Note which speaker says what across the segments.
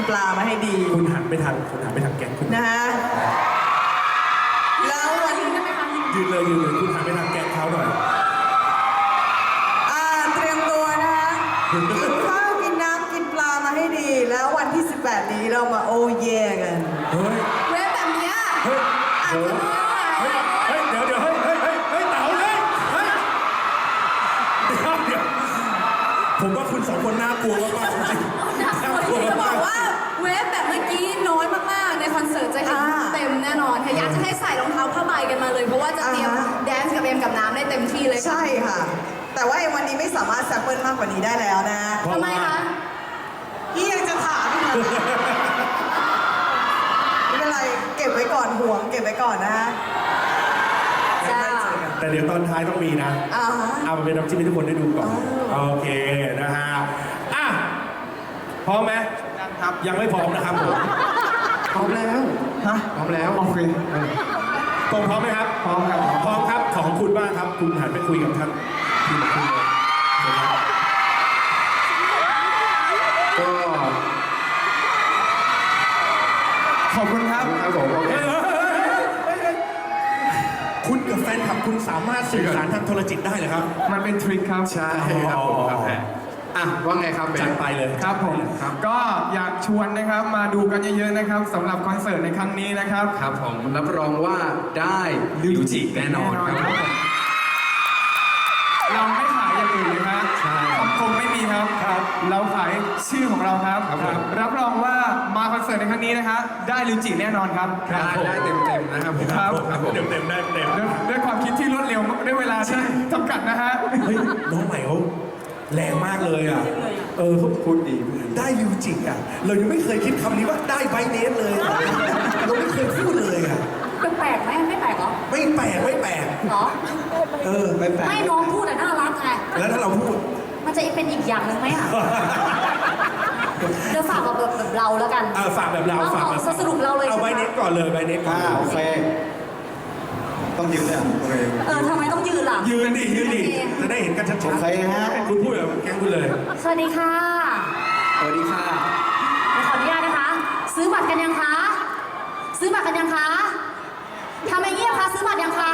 Speaker 1: ปลามาให้ดี
Speaker 2: คุณหันไปทางแก๊งคุณ
Speaker 1: นะฮะแล้ววันนี้
Speaker 2: ยืนเลยคุณหันไปทางแก๊งเขาหน่อย
Speaker 1: เตรียมตัวนะคะกินข้าวกินน้ำกินปลามาให้ดี แล้ววันที่ 18 นี้เรามาโอเย่กัน
Speaker 2: เฮ้ย
Speaker 3: เว็บแบบเนี้ย
Speaker 2: เฮ้ยเฮ้ยเฮ้ยเดี๋ยวเฮ้ยเต๋าเลยเฮ้ยเดี๋ยวผมว่าคุณสองคนน่ากลัวมากจริงๆน่ากลัว
Speaker 3: จะบ
Speaker 2: มา
Speaker 3: อก กว่าเว็บแบบเมื่อกี้น้อยมากๆในคอนเสิร์ตจะเห็นเต็มแน่นอนค่ะอยากจะให้ใส่รองเท้าผ้าใบกันมาเลยเพราะว่าจะเตรียมแดนซ์กับเอ็มกับน้ำได้เต็มที่เลย
Speaker 1: ใช่ค่ะ แต่ว่าวันนี้ไม่สามารถแซมเปิลมากกว่านี้ได้แล้วนะ
Speaker 3: ทำไมคะ
Speaker 1: พี่ยังจะถามอีกเหรอไม่เป็นไรเก็บไว้ก่อนห่วงเก็บไว้ก่อนนะฮะ
Speaker 3: จ้า
Speaker 2: แต่เดี๋ยวตอนท้ายต้องมีนะ เอามาเป็นน้ำจิ้มให้ทุกคนได้ดูก่อน โอเคนะฮะอ่ะพร้อมไหมครับยังไม่พร้อมนะครับผม
Speaker 4: พร้อมแล้วฮะพร้อมแล้วโอเค
Speaker 2: ตรงพร้อมไหมครับพร้อมครับพร้อมครับของคุณบ้างครับคุณหันไปคุยกับท่านทีมคุณเลย
Speaker 4: ก็ขอบคุณครับครับผมโอเค
Speaker 2: คุณกับแฟนคลับคุณสามารถสื่อสารทางโทรจิตได้เลยครับ
Speaker 4: มันเป็นทริคครับใช่ครับผมครับอ่ะว่าไงครับเบน
Speaker 2: จัดไปเลย
Speaker 4: ครับผมก็อยากชวนนะครับมาดูกันเยอะๆนะครับสำหรับคอนเสิร์ตในครั้งนี้นะครับครับผมรับรองว่าได้ลิวจิแน่นอนครับเราไม่ขายอย่างอื่นเลยครับใช่คงไม่มีครับเราขายชื่อของเราครับรับรองว่ามาคอนเสิร์ตในครั้งนี้นะครับได้ลิวจิแน่นอนครับได้เต็มๆนะครับผมครับ
Speaker 2: เต็มได้เต็ม
Speaker 4: ด้วยความคิดที่รวดเร็วด้วยเวลาที่จำกัดนะฮะ
Speaker 2: เฮ้ยน้องใหม่เขาแรงมากเลยอ่ะเขาพูดดีได้ยูจิอ่ะเรายังไม่เคยคิดคำนี้ว่าได้ไบเนสเลยเราไม่เคยพูดเลยอ่ะ
Speaker 3: แปลกไหมไม่แปลกเหรอ
Speaker 2: ไม่แปลกไม่แปลก
Speaker 3: เหรอ
Speaker 2: ไม่แปลก
Speaker 3: ไม่น้องพูดอะน่ารักไง
Speaker 2: แล้วถ้าเราพูด
Speaker 3: มันจะเป็นอีกอย่างหนึ่งไหมอ่ะเดี๋ยวฝากแบบเราแล้วกัน
Speaker 2: ฝากแบบเราฝากแบบ
Speaker 3: สรุปเราเลย
Speaker 2: เอาไบเนสก่อนเลยไบเนสก่อน
Speaker 4: โอเคต้องยืนเลยโอเค
Speaker 3: ทำไมต้องยืนล่ะ
Speaker 2: ยืนดิจะได้เห็นกันชัดๆ
Speaker 4: โอเคฮะ
Speaker 2: คุณพูดแบบแกล้งคุณเลย
Speaker 3: สวัสดีค่ะ
Speaker 4: สวัสดีค่ะ
Speaker 3: ขออนุญาตนะคะ ซื้อบัตรกันยังคะ ซื้อบัตรกันยังคะทำไมเงียบคะซื้อบัตรยังคะ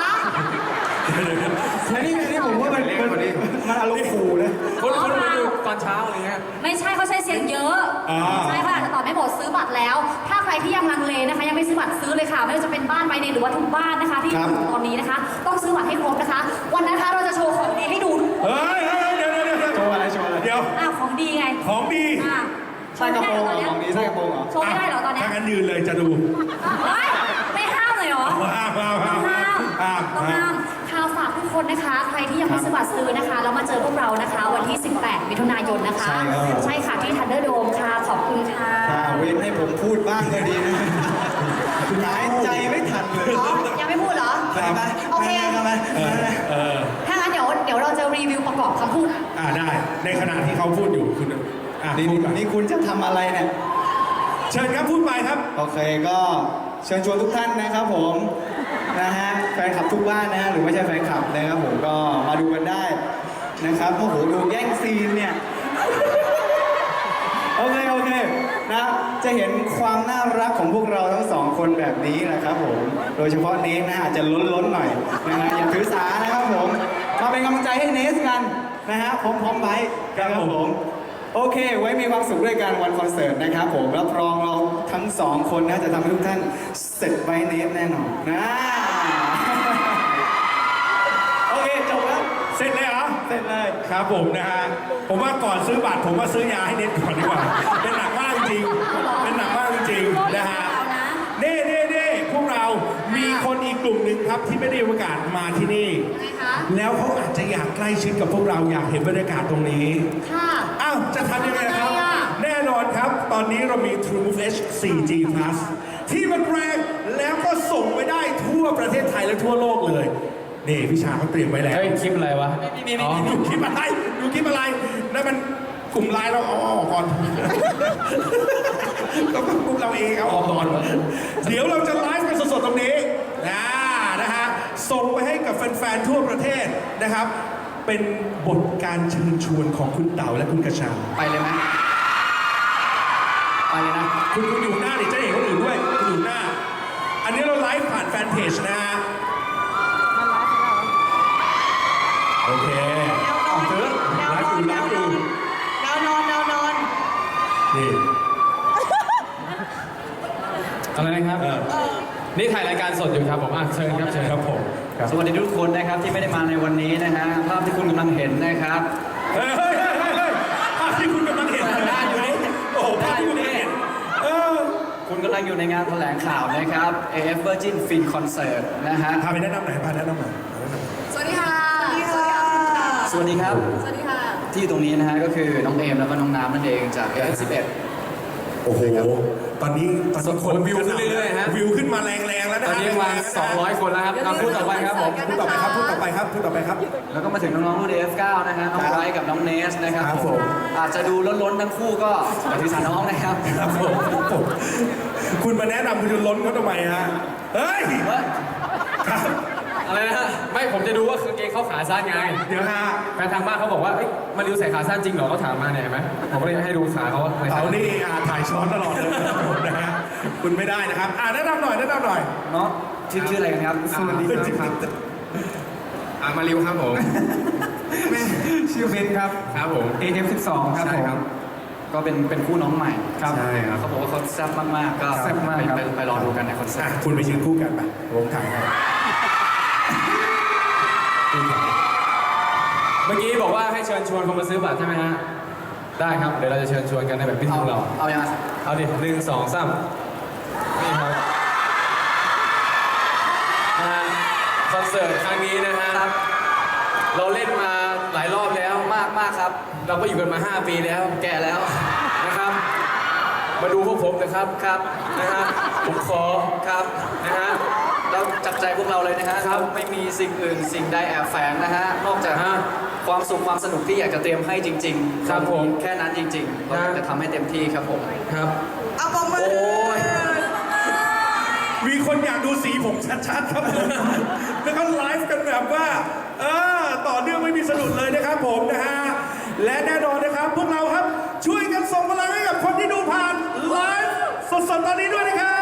Speaker 4: แล้วนี่ผมว่ามันอารมณ์ขู่เลย
Speaker 3: คนมาดูตอนเช้าอะไรเงี้ยไม่ใช่เขาใช้เสียงเยอะใช่ค่ะอาจจะตอบไม่หมดซื้อบัตรแล้ว ถ้าใครที่ยังลังเลนะคะยังไม่ซื้อบัตรซื้อเลยค่ะไม่ว่าจะเป็นบ้านไบเนหรือว่าทุกบ้านนะคะที่อยู่ตอนนี้นะคะ ต้องซื้อบัตรให้ครบนะคะ วันนั้นนะคะเราจะโชว์ของดีให้ดู
Speaker 2: เฮ้ยเดี๋ยว
Speaker 4: โชว์อะไรเดี๋ยว
Speaker 3: ของดีไง
Speaker 2: ของดี
Speaker 4: ใส่กระโปรงเหรอของนี้ใส่กระโปรงเหรอ
Speaker 3: โชว์ไม่ได้เหรอตอนนี้
Speaker 2: ถ้างั้นยืนเลยจะดู
Speaker 3: ไม่ห้ามเลยเหรอ
Speaker 2: ห้าม
Speaker 3: ต้องห้ามข่าวฝากทุกคนนะคะ ใครที่ยังไม่ซื้อบัตรซื้อนะคะแล้วมาเจอพวกเรานะคะ วันที่ 18 มิถุนายนนะคะ ใช่ค่ะที่ทันเดอร์โดมค่ะ ขอบคุณค่ะ
Speaker 4: เว้นให้ผมพูดบ้างก็ดีนะหายใจไม่ทันเลย
Speaker 3: ยังไม่พูดเหรอ โอเค ถ้างั้นเดี๋ยวเราจะรีวิวประกอบคำพูด
Speaker 2: ได้ในขณะที่เขาพูดอยู่คุณพูดก่อน
Speaker 4: นี่คุณจะทำอะไรเนี่ย
Speaker 2: เชิญครับพูดไปครับ
Speaker 4: โอเคก็เชิญชวนทุกท่านนะครับผมนะฮะแฟนคลับทุกบ้านนะฮะหรือไม่ใช่แฟนคลับนะครับผมก็มาดูกันได้นะครับโอ้โหดูแย่งซีนเนี่ยโอเคนะจะเห็นความน่ารักของพวกเราทั้งสองคนแบบนี้นะครับผมโดยเฉพาะเนสนะอาจจะล้นหน่อยนะฮะอย่าถือสานะครับผมมาเป็นกำลังใจให้เนสกันนะฮะพร้อมไว้ครับผมโอเคไว้มีความสุขด้วยกันวันคอนเสิร์ตนะครับผมรับรองเราทั้งสองคนนะจะทำให้ทุกท่านเสร็จไว้เนสแน่นอนนะโอเคจบแล้ว
Speaker 2: เสร็จเลยเหรอ
Speaker 4: เสร็จเลย
Speaker 2: ครับผมนะฮะผมว่าก่อนซื้อบัตรผมว่าซื้อยาให้เน็ตก่อนดีกว่าเป็นหนักมากจริงเป็นหนักมากจริงนะฮะเน่พวกเรามีคนอีกกลุ่มหนึ่งครับที่ไม่ได้มีโอกาสมาที่นี่แล้วเขาอาจจะอยากใกล้ชิดกับพวกเราอยากเห็นบรรยากาศตรงนี้
Speaker 3: ค่ะ
Speaker 2: อ้าวจะทำยังไงครับ แน่นอนครับ ตอนนี้เรามี TrueMove H 4G Plus ที่มันแรงแล้วก็ส่งไปได้ทั่วประเทศไทยและทั่วโลกเลยนี่พี่ชาเขาเตรียมไว้แล้ว
Speaker 5: เฮ้ยคลิปอะไรวะ
Speaker 2: นี่ดูคลิปอะไรนั่นมันกลุ่มไลน์เราเอาออกก่อนก็กลุ่มเราเองเอาออกก่อนเดี๋ยวเราจะไลฟ์กันสดๆตรงนี้นะฮะส่งไปให้กับแฟนๆทั่วประเทศนะครับเป็นบทการเชิญชวนของคุณเต๋าและคุณกระชา
Speaker 4: ไปเลยไหมไปเลยนะ
Speaker 2: คุณอยู่หน้าดิจะเห็นคนอื่นด้วยคุณอยู่หน้า อันนี้เราไลฟ์ผ่านแฟนเพจนะฮะโอเค
Speaker 1: แนวนอนแนวนอนแนวนอนแนวนอน
Speaker 2: นี่
Speaker 5: อะไรนะครับ นี่ถ่ายรายการสดอยู่ครับผมเชิญครับเชิญ
Speaker 2: ครับผม
Speaker 4: สวัสดีทุกคนนะครับที่ไม่ได้มาในวันนี้นะฮะภาพที่คุณกำลังเห็นนะครับ
Speaker 2: เฮ้ยภาพที่คุณกำลังเห็นได้อยู่นี่โอ้โหภาพที่คุณกำลังเห็น
Speaker 4: คุณกำลังอยู่ในงานแถลงข่าวนะครับ AF Virgin Fin Concert นะฮะ
Speaker 2: พาไปแนะนำหน่อยพาแนะนำหน่อย
Speaker 3: สวัสดีค่ะ
Speaker 1: สวัสดีค่ะ
Speaker 4: สวัสดีครับ
Speaker 3: สวัสดีค่ะ
Speaker 4: ที่อยู่ตรงนี้นะฮะก็คือน้องเอมแล้วก็น้องน้ำนั่นเองจาก AF11
Speaker 2: โอ้โหตอนนี้คน
Speaker 5: วิวขึ้นเรื่อยๆฮะ
Speaker 2: วิวขึ้นมาแรงๆแล้วนะ
Speaker 5: ตอนนี้มา200 คนแล้วครับพูดต่อไปครับผม
Speaker 2: พูดต่อไปครับพูดต่อไปครับพูดต่อไปครับ
Speaker 4: แล้วก็มาถึงน้องๆรุ่น AF9 นะฮะน้องไบรท์กับน้องเนสนะครับ
Speaker 2: ครับ
Speaker 4: ผ
Speaker 2: ผม ม
Speaker 4: อาจจะดูล้นๆทั้งคู่ก็อย่าถือสาน้องนะครับ
Speaker 2: ครับผมคุณมาแนะนำคุณจะล้นเขาทำไมฮะเฮ้ยครับ
Speaker 5: อะไรนะฮะไม่ผมจะดูว่ากางเกงเขาขาสั้นไง
Speaker 2: เดี๋ยวฮะ
Speaker 5: แฟนทางบ้านเขาบอกว่าเอ้ยมาริวใส่ขาสั้นจริงเหรอเขาถามมาเนี่ยเห็นไหมผมก็เลยให้ดูขาเขาใส่
Speaker 2: เขานี่ถ่ายช้อนตลอดเลยนะครับผมนะฮะคุณไม่ได้นะครับแนะนำหน่อย
Speaker 4: เนาะชื่ออะไรกันครับ
Speaker 5: สวัสดีครับมาริวครับผม
Speaker 4: ชื่อเบนครับ
Speaker 5: ครับผม
Speaker 4: AF12 ครับ
Speaker 5: ใช่
Speaker 4: ผม
Speaker 5: ครับ
Speaker 4: ก็เป็นคู่น้องใหม่
Speaker 5: ใช่ครับ
Speaker 4: เขาบอกว่าเขาแซ่บมากๆก็
Speaker 5: แซ่บมากครับ
Speaker 4: ไปรอดูกันในคอนเสิร์ต
Speaker 2: คุณไปยืนคู่กันไปผมถ่ายให้
Speaker 5: เมื่อกี้บอกว่าให้เชิญชวนคนมาซื้อบัตรใช่ไหมฮะได้ครับเดี๋ยวเราจะเชิญชวนกันในแบบพิธีของเรา
Speaker 4: เอายังไง
Speaker 5: เอาดิ1 2 3นี่ครับคอนเสิร์ตครั้งนี้นะฮะเราเล่นมาหลายรอบแล้ว
Speaker 4: มากครับ
Speaker 5: เราก็อยู่กันมา 5 ปีแล้ว
Speaker 4: แก่แล้ว
Speaker 5: นะครับ มาดูพวกผมนะครับ
Speaker 4: ครับ
Speaker 5: นะฮะผมขอ
Speaker 4: ครับ
Speaker 5: นะฮะ
Speaker 4: เราจับใจพวกเราเลยนะฮะ
Speaker 5: ครับ
Speaker 4: เราไม่มีสิ่งอื่นสิ่งใดแอบแฝงนะฮะนอกจาก
Speaker 5: ฮะ
Speaker 4: ความสุขความสนุกที่อยากจะเตรียมให้จริงๆ
Speaker 5: ครับผม
Speaker 4: แค่นั้นจริงๆเราอยากจะทำให้เต็มที่ครับผม
Speaker 5: ครับ
Speaker 1: เอาปมมือ
Speaker 4: โอ้ย
Speaker 2: มีคนอยากดูสีผมชัดๆครับผมแล้วก็ไลฟ์กันแบบว่าต่อเนื่องไม่มีสะดุดเลยนะครับผมนะฮะและแน่นอนนะครับพวกเราครับช่วยกันส่งพลังให้กับคนที่ดูผ่านไลฟ์สดๆตอนนี้ด้วยนะครับ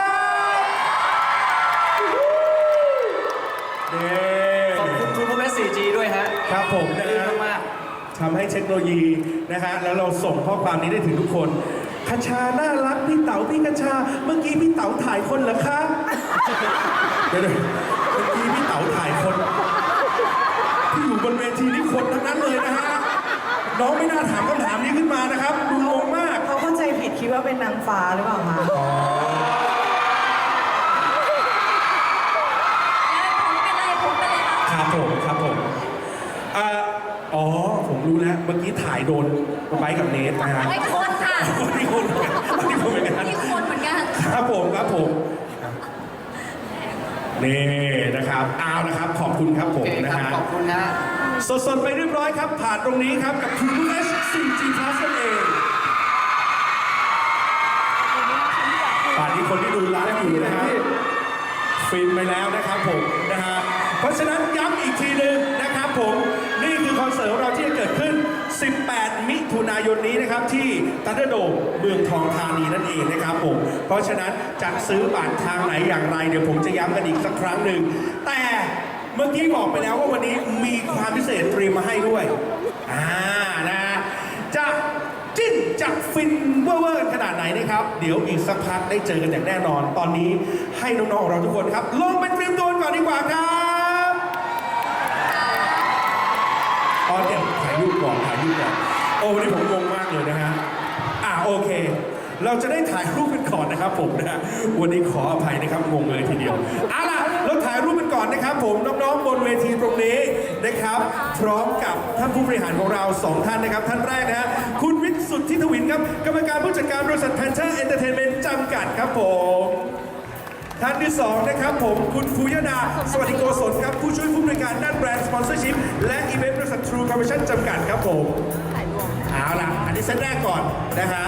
Speaker 2: นี่
Speaker 4: ขอบคุณทูบูเอส 4G ด้วยฮะ
Speaker 2: ครับผมนะ
Speaker 4: ดี
Speaker 2: ฮะ
Speaker 4: มาก
Speaker 2: ทำให้เทคโนโลยีนะฮะแล้วเราส่งข้อความนี้ได้ถึงทุกคนคชาน่ารักพี่เต๋าพี่คชาเมื่อกี้พี่เต๋าถ่ายคนเหรอคะเดี๋ยวเมื่อกี้พี่เต๋าถ่ายคนที่อยู่บนเวทีนี่คนทั้งนั้นเลยนะฮะน้องไม่น่าถามคำถามนี้ขึ้นมานะครับดูงงมาก
Speaker 1: เขาเข้าใจผิดคิดว่าเป็นนางฟ้าหรือเปล่าคะ
Speaker 2: ครับผมอ๋อผมรู้แล้วเมื่อกี้ถ่ายโดนไบค์กับเนสนะฮะ
Speaker 3: ไม่คนค่ะ
Speaker 2: นี่คนเหมือนกันนี่คนเหมือนกัน
Speaker 3: นี่คนเหมือนกัน
Speaker 2: ครับผมนี่นะครับเอานะครับขอบคุณครับ
Speaker 4: ๆ
Speaker 2: ผ
Speaker 4: โอ
Speaker 2: ม
Speaker 4: เค
Speaker 2: นะครับ ฮะ
Speaker 4: ขอบคุณนะ
Speaker 2: สดๆไปเรียบร้อยครับ ผ่านตรงนี้ครับกับ True H 4G Plus นั่นเองป่านนี้คนที่ดูไลฟ์อยู่นะฮะฟินไปแล้วนะครับผมนะฮะเพราะฉะนั้นย้ำอีกทีหนึ่งนะครับผมนี่คือคอนเสิร์ตของเราที่จะเกิดขึ้น 18 มิถุนายนนี้นะครับที่ทันเดอร์โดมเมืองทองธานีนั่นเองนะครับผมเพราะฉะนั้นจะซื้อบัตรทางไหนอย่างไรเดี๋ยวผมจะย้ำกันอีกสักครั้งหนึ่งแต่เมื่อกี้บอกไปแล้วว่าวันนี้มีความพิเศษเตรียมมาให้ด้วยนะจะจิ้นจะฟินเวอร์ๆขนาดไหนนะครับเดี๋ยวอีกสักพักได้เจอกันอย่างแน่นอน ตอนนี้ให้น้องๆของเราทุกคนครับลงไปเตรียมตัวก่อนดีกว่าครับเดี๋ยวถ่ายรูปก่อนโอ้วันนี้ผมงงมากเลยนะฮะโอเค เราจะได้ถ่ายรูปกันก่อนนะครับผมนะฮะวันนี้ขออภัยนะครับงงเลยทีเดียวเอาล่ะเราถ่ายรูปกันก่อนนะครับผมน้องๆบนเวทีตรงนี้นะครับ พร้อมกับท่านผู้บริหารของเรา2ท่านนะครับท่านแรกนะฮะคุณวิทย์สุทธิทวินครับกรรมการผู้จัดการบริษัท Panther Entertainment จำกัดครับผมท่านที่2นะครับผมคุณฟูยดาสวัสดิโกศลครับผู้ช่วยผู้บริการด้านแบรนด์สปอนเซอร์ชิพและอีเวนต์บริษัท True Commission จำกัดครับผมเอาล่ะอันนี้เซตแรกก่อนนะฮะ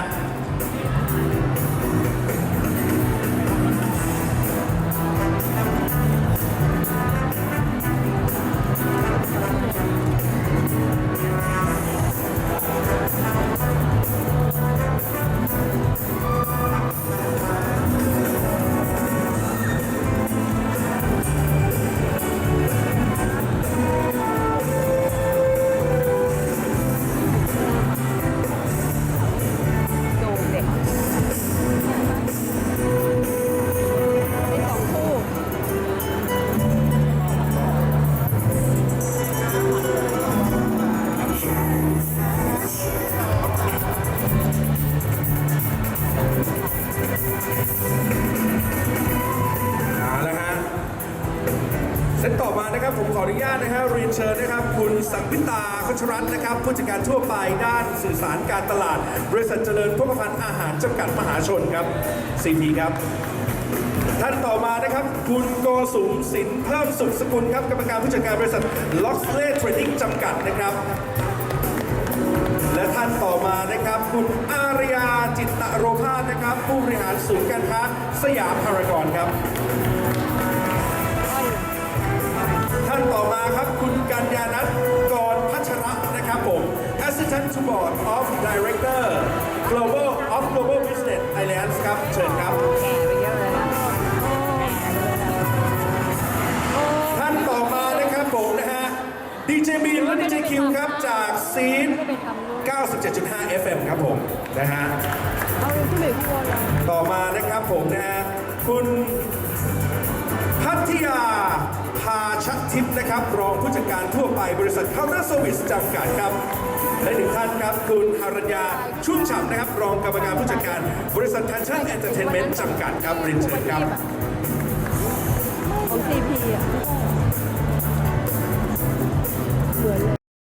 Speaker 2: ออนุญาตนะฮะเรียนเชิญนะครับคุณสังพิตาคชรัตน์นะครับผู้จัดการทั่วไปด้านสื่อสารการตลาด บริษัทเจริญพกพันธ์อาหารจำกัดมหาชนครับ CP ครับ ท่านต่อมานะครับคุณโกสุมสินเพิ่มสุขสกุลครับกรรมการผู้จัดการบริษัท Loxley Trading จำกัดนะครับ และท่านต่อมานะครับคุณอารยาจิตตโรภาสนะครับผู้บริหารศูนย์การค้าสยามพารากอนครับ ท่านต่อมาครับคุณกัญญานัทกรพัชระนะครับผม Assistant to Board of Director Global of Global Business Alliance ครับเชิญครับ ท่านต่อมานะครับผมนะฮะ DJ B และ DJ Q ครับจากซีน 97.5 FM ครับผมนะฮะต่อมานะครับผมนะฮะคุณพัทยาพาชักทิพย์นะครับรองผู้จัดการทั่วไปบริษัทเคาน์เตอร์เซอร์วิสจำกัดครับและหนึ่งท่านครับคุณหรัญญาชุ่มฉ่ำนะครับรองกรรมการผู้จัดการบริษัทแทนชั่นเอนเตอร์เทนเมนต์จำกัดครับเรียนเชิญครับ
Speaker 6: ของ CP อ่ะ